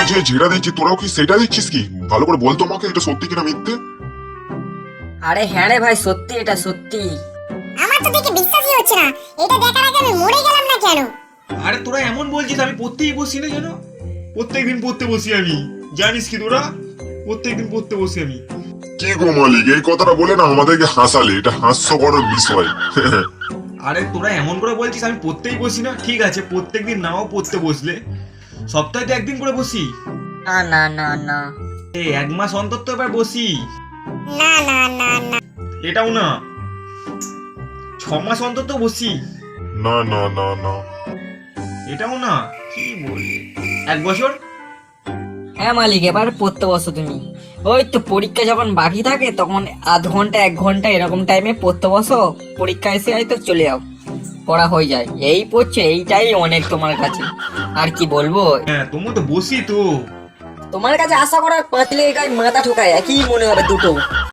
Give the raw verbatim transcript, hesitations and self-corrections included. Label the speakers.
Speaker 1: যে যেটা দিচ্ছি তোরাও কি সেটা দিচ্ছিস কি? ভালো করে বলতো আমাকে, এটা সত্যি কিনা মিথ্যে।
Speaker 2: আরে হ্যাঁ রে ভাই, সত্যি, এটা সত্যি।
Speaker 3: আমার তো দেখে বিশ্বাসই হচ্ছে না। এটা দেখার আগে আমি মরে গেলাম না কেন?
Speaker 4: আরে তোরা এমন বলছিস, আমি পড়তেই বসি না যেন। প্রত্যেকদিন পড়তে বসি আমি, জানিস কি তোরা? প্রত্যেকদিন পড়তে বসি আমি।
Speaker 1: কি গো মালিক, এই কথাটা বলে না আমাদেরকে হাসালে, এটা হাস্যকর বিষয়।
Speaker 4: আরে তোরা এমন করে বলছিস আমি পড়তেই বসি না। ঠিক আছে, প্রত্যেকদিন নাও পড়তে বসলে সপ্তাহে তো একদিন করে বসি।
Speaker 2: না না না না।
Speaker 4: এই এক মাস অন্তর তো এবার বসি।
Speaker 3: না না না না।
Speaker 4: এটাও না, ছ মাস অন্তর তো বসি।
Speaker 1: না না না না।
Speaker 4: এটাও না, কি বলি, এক বছর।
Speaker 2: হ্যাঁ মালিক, এবার পড়তে বসো তুমি। ওই তো পরীক্ষা যখন বাকি থাকে তখন আধ ঘন্টা এক ঘন্টা এরকম টাইমে পড়তে বসো, পরীক্ষা এসে হয়তো চলে যাও, পড়া হয়ে যায়। এই পড়ছে, এইটাই অনেক তোমার কাছে। আর কি বলবো,
Speaker 4: হ্যাঁ তোমার তো বসি তো।
Speaker 2: তোমার কাছে আশা করার পাঁচলে গায়ে মাথা ঠোকায়, একই মনে হবে দুটো।